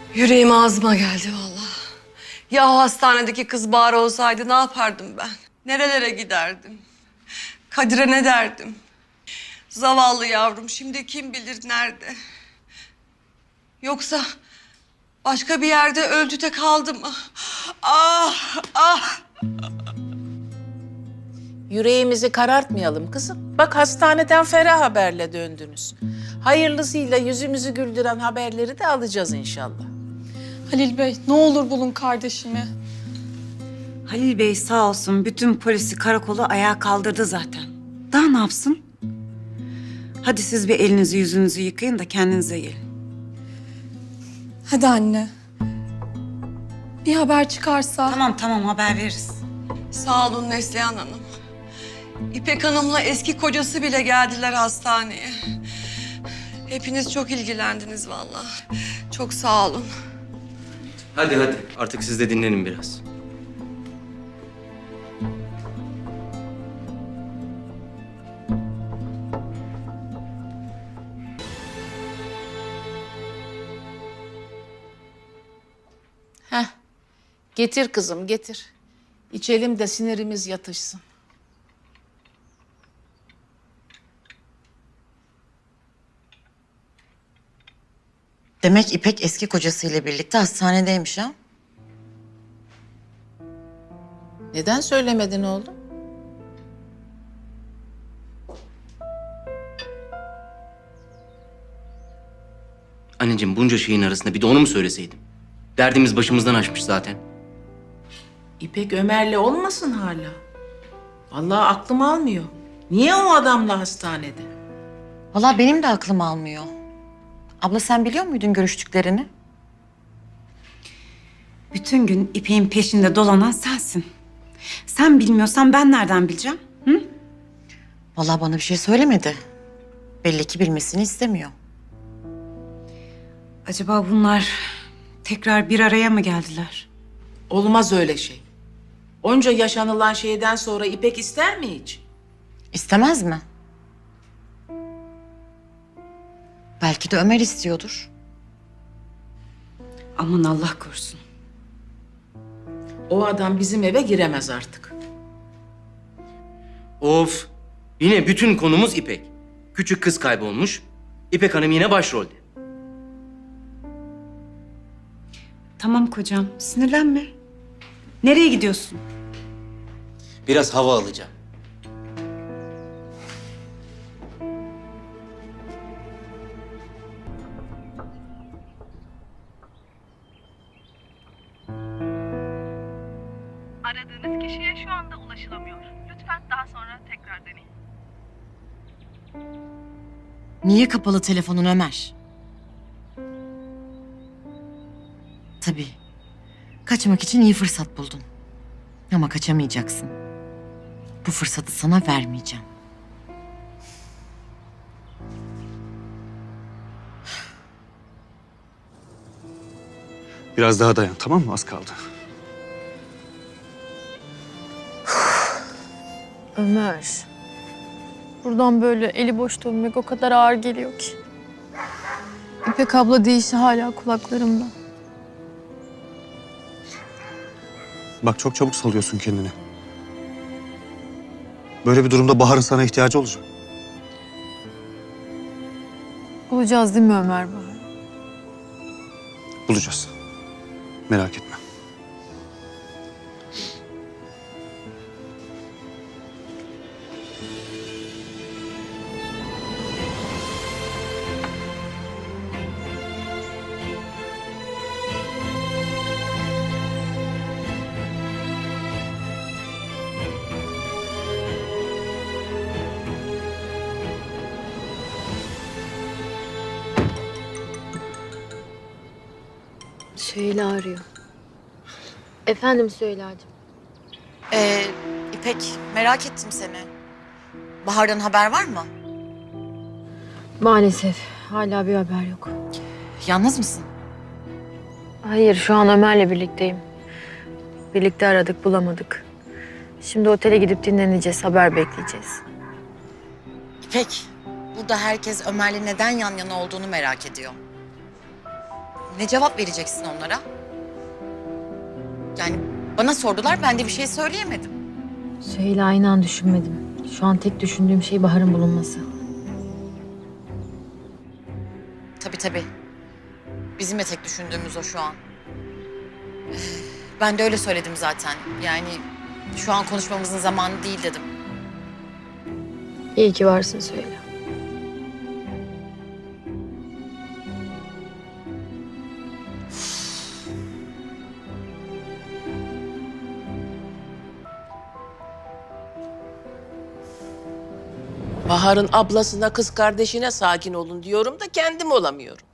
Yüreğim ağzıma geldi vallahi. Ya o hastanedeki kız Bahar olsaydı ne yapardım ben? Nerelere giderdim? Kadir'e ne derdim? Zavallı yavrum şimdi kim bilir nerede? Yoksa başka bir yerde öldü de kaldı mı? Ah, ah! Yüreğimizi karartmayalım kızım. Bak hastaneden ferah haberle döndünüz. Hayırlısıyla yüzümüzü güldüren haberleri de alacağız inşallah. Halil Bey, ne olur bulun kardeşimi. Halil Bey sağ olsun bütün polisi karakolu ayağa kaldırdı zaten. Daha ne yapsın? Hadi siz bir elinizi yüzünüzü yıkayın da kendinize gelin. Hadi anne. Bir haber çıkarsa... Tamam haber veririz. Sağ olun Neslihan Hanım. İpek Hanım'la eski kocası bile geldiler hastaneye. Hepiniz çok ilgilendiniz vallahi. Çok sağ olun. Hadi artık siz de dinlenin biraz. Heh, getir kızım getir. İçelim de sinirimiz yatışsın. Demek İpek eski kocasıyla birlikte hastanedeymiş ha? Neden söylemedin oğlum? Anneciğim bunca şeyin arasında bir de onu mu söyleseydim? Derdimiz başımızdan aşmış zaten. İpek Ömer'le olmasın hala. Vallahi aklım almıyor. Niye o adamla hastanede? Vallahi benim de aklım almıyor. Abla sen biliyor muydun görüştüklerini? Bütün gün İpek'in peşinde dolanan sensin. Sen bilmiyorsan ben nereden bileceğim? Hı? Vallahi bana bir şey söylemedi. Belli ki bilmesini istemiyor. Acaba bunlar tekrar bir araya mı geldiler? Olmaz öyle şey. Onca yaşanılan şeyden sonra İpek ister mi hiç? İstemez mi? Belki de Ömer istiyordur. Aman Allah korusun. O adam bizim eve giremez artık. Of! Yine bütün konumuz İpek. Küçük kız kaybolmuş. İpek Hanım yine başrolde. Tamam kocam sinirlenme. Nereye gidiyorsun? Biraz hava alacağım. Aradığınız kişiye şu anda ulaşılamıyor. Lütfen daha sonra tekrar deneyin. Niye kapalı telefonun Ömer? Tabii. Kaçmak için iyi fırsat buldun. Ama kaçamayacaksın. Bu fırsatı sana vermeyeceğim. Biraz daha dayan, tamam mı? Az kaldı. Ömer. Buradan böyle eli boş dönmek o kadar ağır geliyor ki. İpek abla deyişi hala kulaklarımda. Bak çok çabuk salıyorsun kendini. Böyle bir durumda Bahar'ın sana ihtiyacı olacak. Bulacağız değil mi Ömer Bahar? Bulacağız. Merak etme. Süheyla arıyor. Efendim Süheyla'cığım. İpek, merak ettim seni. Bahar'dan haber var mı? Maalesef hala bir haber yok. Yalnız mısın? Hayır, şu an Ömer'le birlikteyim. Birlikte aradık, bulamadık. Şimdi otele gidip dinleneceğiz, haber bekleyeceğiz. İpek, burada herkes Ömer'le neden yan yana olduğunu merak ediyor. Ne cevap vereceksin onlara? Yani bana sordular, ben de bir şey söyleyemedim. Süheyla inan düşünmedim. Şu an tek düşündüğüm şey Bahar'ın bulunması. Tabii. Bizim de tek düşündüğümüz o şu an. Ben de öyle söyledim zaten. Yani şu an konuşmamızın zamanı değil dedim. İyi ki varsın Süheyla. Bahar'ın ablasına, kız kardeşine sakin olun diyorum da kendim olamıyorum.